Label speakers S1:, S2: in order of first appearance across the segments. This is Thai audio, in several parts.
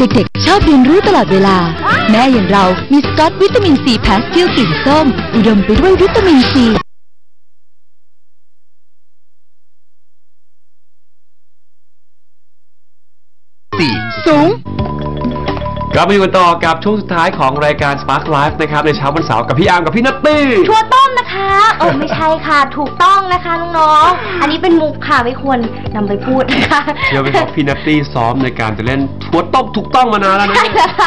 S1: เด็กๆชอบเรียนรู้ตลอดเวลาแม่อย่างเรามีสกอตวิตามินซีพาสติลกลิ่นส้มอุดมไปด้วยวิตามินซีสูง
S2: กลับมาอยู่กันต่อกับช่วงสุดท้ายของรายการ Spark Life นะครับในเช้าวันเสาร์กับพี่อาร์มกับพี่นัตตี้
S3: ถั่วต้มนะคะไม่ใช่ค่ะถูกต้องนะคะน้องๆอันนี้เป็นมุกค่ะไม่ควรนำไปพูดนะคะ
S2: เดี๋ยวไปบอกพี่นัตตี้ซ้อมในการจะเล่นถั่วต้มถูกต้องมานานแล้วนะ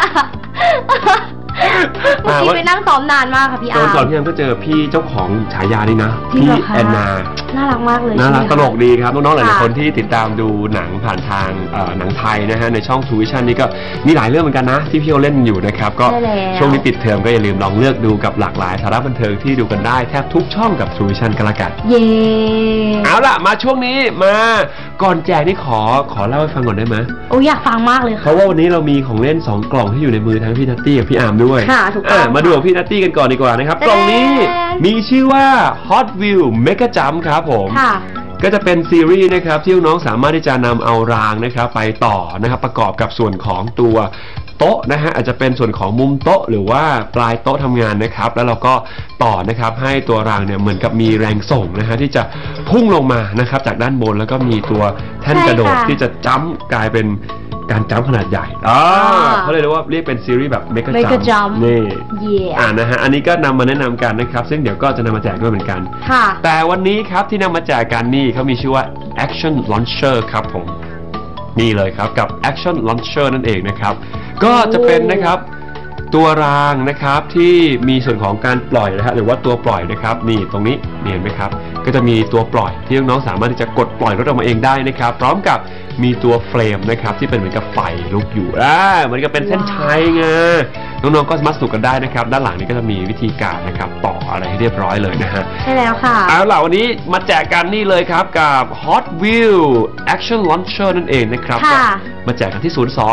S3: เมื่อกี้ไปนั่งซ้อมนานมากค่ะพี่อาร์ม
S2: ก่อนพี่อาร์มก็เจอพี่เจ้าของฉายานี่นะพี่แอนนา
S3: น่ารักมากเลย
S2: น่ารักตลกดีครับน้องๆหลายๆคนที่ติดตามดูหนังผ่านทางหนังไทยนะฮะในช่อง True Vision นี่ก็มีหลายเรื่องเหมือนกันนะที่พี่เขาเล่นอยู่นะครับก็ช่วงนี้ปิดเทอมก็อย่าลืมลองเลือกดูกับหลากหลายสาระบันเทิงที่ดูกันได้แทบทุกช่องกับ True Vision กันละกัน
S3: เย่
S2: เอาล่ะมาช่วงนี้มาก่อนแจกนี่ขอเล่าให้ฟังก่อนได้ไหม
S3: อยากฟังมากเลยค่ะ
S2: เพราะว่าวันนี้เรามีของเล่น2กล่องที่อยู่ในมือทั้งพี่นัตตี้กับพี่อาร์มด้วย
S3: ค่ะถูกต้อง
S2: มาดูของพี่นัตตี้กันก่อนดีกว่านะครับกล่องนี้มีชื่อว่า Hot Wheels Mega Jump ครับผมก็จะเป็นซีรีส์นะครับที่น้องสามารถที่จะนำเอารางนะครับไปต่อนะครับประกอบกับส่วนของตัวโต๊ะนะฮะอาจจะเป็นส่วนของมุมโต๊ะหรือว่าปลายโต๊ะทำงานนะครับแล้วเราก็ต่อนะครับให้ตัวรางเนี่ยเหมือนกับมีแรงส่งนะฮะที่จะพุ่งลงมานะครับจากด้านบนแล้วก็มีตัวแท่นกระโดดที่จะจัมป์กลายเป็นการจัมป์ขนาดใหญ่เขาเลยเรียกว่าเป็นซีรีส์แบบเมกะจัมป์นี่นะฮะอันนี้ก็นำมาแนะนำกันนะครับซึ่งเดี๋ยวก็จะนำมาแจกด้วยเหมือนกันแต่วันนี้ครับที่นำมาแจกกันนี่เขามีชื่อว่า Action Launcher ครับผมนี่เลยครับกับ Action Launcher นั่นเองนะครับก็จะเป็นนะครับตัวรางนะครับที่มีส่วนของการปล่อยนะฮะหรือว่าตัวปล่อยนะครับนี่ตรงนี้เห็นไหมครับก็จะมีตัวปล่อยที่น้องๆสามารถที่จะกดปล่อยรถออกมาเองได้นะครับพร้อมกับมีตัวเฟรมนะครับที่เป็นเหมือนกับไฟลุกอยู่เหมือนกับเป็นเส้นชัยไงน้องๆก็สามารถสนุกกันได้นะครับด้านหลังนี้ก็จะมีวิธีการนะครับต่ออะไรให้เรียบร้อยเลยนะฮะ
S3: ใช่แล้วค่ะ
S2: เอาล่ะวันนี้มาแจกกันนี่เลยครับกับ Hot Wheels Action Launcher นั่นเองนะครับมาแจกกันที่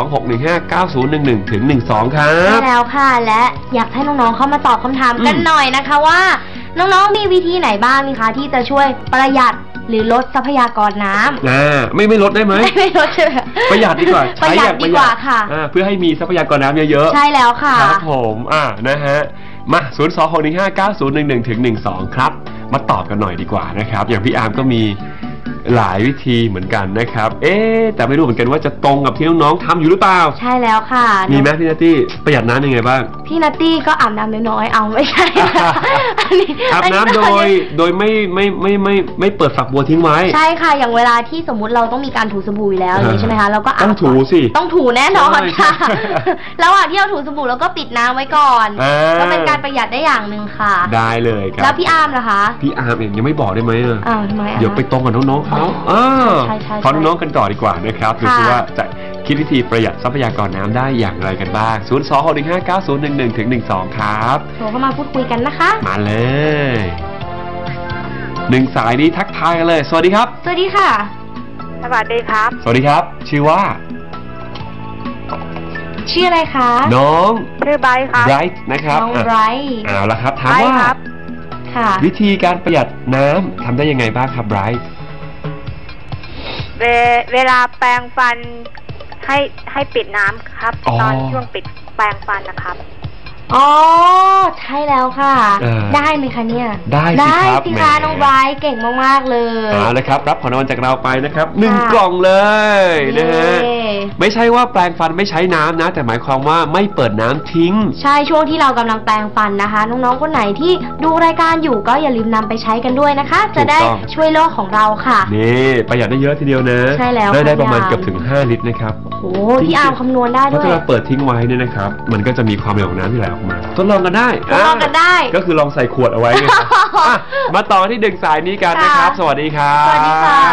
S2: 02-615-9011-12 ครับ
S3: ใช่แล้วค่ะและอยากให้น้องๆเข้ามาตอบคำถามกันหน่อยนะคะว่าน้องๆมีวิธีไหนบ้างไหมคะที่จะช่วยประหยัดหรือลดทรัพยากรน้
S2: ำไม่ลดได้ไหม
S3: ไม่ลดใช่ไหม
S2: ประหยัดดีกว่า
S3: ประหยัดดีกว่าค่ะ
S2: เพื่อให้มีทรัพยากรน้ำเยอะ
S3: ๆใช่แล้วค่ะ
S2: ครับผมนะฮะมา 02-615-9011-12 ครับมาตอบกันหน่อยดีกว่านะครับอย่างพี่อาร์มก็มีหลายวิธีเหมือนกันนะครับแต่ไม่รู้เหมือนกันว่าจะตรงกับที่น้องๆทำอยู่หรือเปล่า
S3: ใช่แล้วค่ะ
S2: มีไหมพี่นัตตี้ประหยัดน้ำยังไงบ้าง
S3: พี่นัตตี้ก็อาบน้ำน้อยๆเอาไม่ใช่
S2: อาบน้ำโดยไม่เปิดฝักบัวทิ้งไว้
S3: ใช่ค่ะอย่างเวลาที่สมมุติเราต้องมีการถูสบู่แล้วใช่ไหมคะเราก็
S2: ต้องถูสิ
S3: ต้องถูแน่นอนค่ะระหว่างที่เราถูสบู่เราก็ปิดน้ำไว้ก่อนก็เป็นการประหยัดได้อย่างหนึ่งค่ะ
S2: ได้เลยครับ
S3: แล้วพี่อาร์มล่ะคะ
S2: พี่อาร์มเองยังไม่บอกได้ไหม
S3: ทำไม
S2: เดี๋ยวไปตรงกับน้องๆเขาขอน้องๆกันต่อดีกว่านะครับดูซิว่าจะคิดวิธีประหยัดทรัพยากรน้ำได้อย่างไรกันบ้าง 02-615-9011-12 ครับ
S3: โทรเข้ามาพูดคุยกันนะคะ
S2: มาเลย1สายนี้ทักทายกันเลยสวัสดีครับ
S3: สวัสดีค่ะ
S4: สวัสดีครับ
S2: สวัสดีครับชื่อว่า
S3: ชื่ออะไรคะ
S2: น้อง
S4: ชื่อไบรท์ครับ
S2: ไบรท์นะครับ
S3: น้องไบรท์
S2: เอาละครับถามว่าวิธีการประหยัดน้ำทำได้ยังไงบ้างครับไบรท์
S4: เวลาแปรงฟันให้ปิดน้ำครับตอนช่วงปิดแปรงฟันนะครับ
S3: ใช่แล้วค่ะได้ไหมคะเนี่ย
S2: ได้สิ
S3: คะน้องไบรท์เก่งมากๆเลย
S2: เลยครับรับของรางวัลจากเราไปนะครับ1กล่องเลยนะฮะไม่ใช่ว่าแปรงฟันไม่ใช้น้ำนะแต่หมายความว่าไม่เปิดน้ำทิ้ง
S3: ใช่ช่วงที่เรากำลังแปรงฟันนะคะน้องๆคนไหนที่ดูรายการอยู่ก็อย่าลืมนำไปใช้กันด้วยนะคะจะได้ช่วยโลกของเราค่ะ
S2: นี่ประหยัดได้เยอะทีเดียวนะ
S3: ใช่แล้ว
S2: ได้ประมาณเกือบถึง5 ลิตรนะครับ
S3: โอ้พี่อาร์มคำนวณได้ด้วย
S2: เพราะถ้าเราเปิดทิ้งไว้เนี่ยนะครับมันก็จะมีความเร็วของน้ำที่ไหลออกมาทดลองกันได้ก็คือลองใส่ขวดเอาไว้ไงมาต่อที่ดึงสายนี้กันนะครับสวัสดีครับ
S3: สวัสดีค่ะ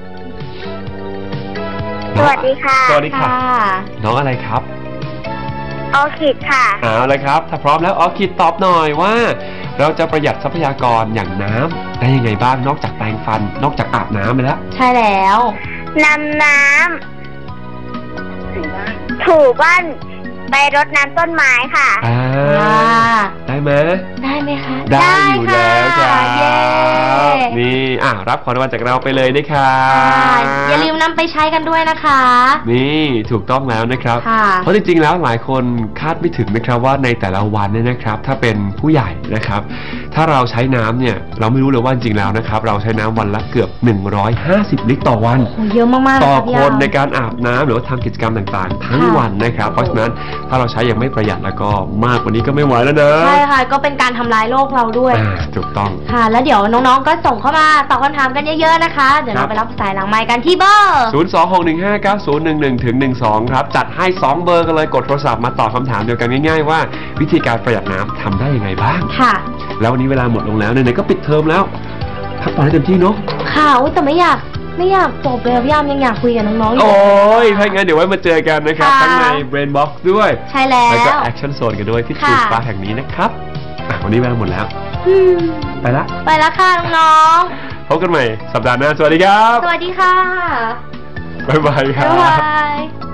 S4: สวัสดีค่ะ
S2: สวัสดีค่ะน้องอะไรครับ
S4: ออคิดค่ะ
S2: เอาเลยครับถ้าพร้อมแล้วออคิดตอบหน่อยว่าเราจะประหยัดทรัพยากรอย่างน้ำได้ยังไงบ้างนอกจากแปรงฟันนอกจากอาบน้ำไปแล้ว
S3: ใช่แล้ว
S4: นำน้ำถูบ้านไปรดน้ำต้นไม้ค่ะ
S2: ได้ไหม
S3: ได้ไหมคะ
S2: ได้อยู่แล้วจ้านี่รับของรางวัลจากเราไปเลยนะครับ
S3: อย่าลืมนำไปใช้กันด้วยนะคะ
S2: นี่ถูกต้องแล้วนะครับเพราะจริงๆแล้วหลายคนคาดไม่ถึงนะครับว่าในแต่ละวันเนี่ยนะครับถ้าเป็นผู้ใหญ่นะครับถ้าเราใช้น้ำเนี่ยเราไม่รู้เลยว่าจริงๆแล้วนะครับเราใช้น้ำวันละเกือบ150 ลิตรต่อวัน
S3: เยอะมากๆ
S2: ต่อคนในการอาบน้ำหรือว่าทำกิจกรรมต่างๆทั้งวันนะครับเพราะฉะนั้นถ้าเราใช้อย่างไม่ประหยัดแล้วก็มากกว่านี้ก็ไม่ไหวแล้วนะ
S3: ใช่ค่ะก็เป็นการทำลายโลกเราด้วย
S2: ถูกต้อง
S3: ค่ะแล้วเดี๋ยวน้องๆก็ส่งเข้ามาตอบคำถามกันเยอะๆนะคะเดี๋ยวเราไปรับสายหลังไมค์กันที่เบอร์
S2: 026159011-12ครับจัดให้2เบอร์กันเลยกดโทรศัพท์มาตอบคำถามเดียวกันง่ายๆว่าวิธีการประหยัดน้ำทำได้ยังไงบ้าง
S3: ค่ะ
S2: แล้ววันนี้เวลาหมดลงแล้วเนี่ยก็ปิดเทอมแล้วพักผ่อนให้เต็มที่เนาะ
S3: ค่ะแต่ไม่อยากจบเลยพี่ยามยังอยากคุยกับน้องๆอยู่
S2: โอ้ยถ้างั้นเดี๋ยวไว้มาเจอกันนะครับทั้งใน Brain Box ด้วย
S3: ใช่แล้ว
S2: ก็ Action Zone กันด้วยที่ True Star แห่งนี้นะครับวันนี้เวลาหมดแล้วไปละ
S3: ค่ะน้อง
S2: ๆพบกันใหม่สัปดาห์หน้าสวัสดีครับ
S3: สวัสดีค่ะ
S2: บ๊ายบายครับ
S3: บ๊ายบาย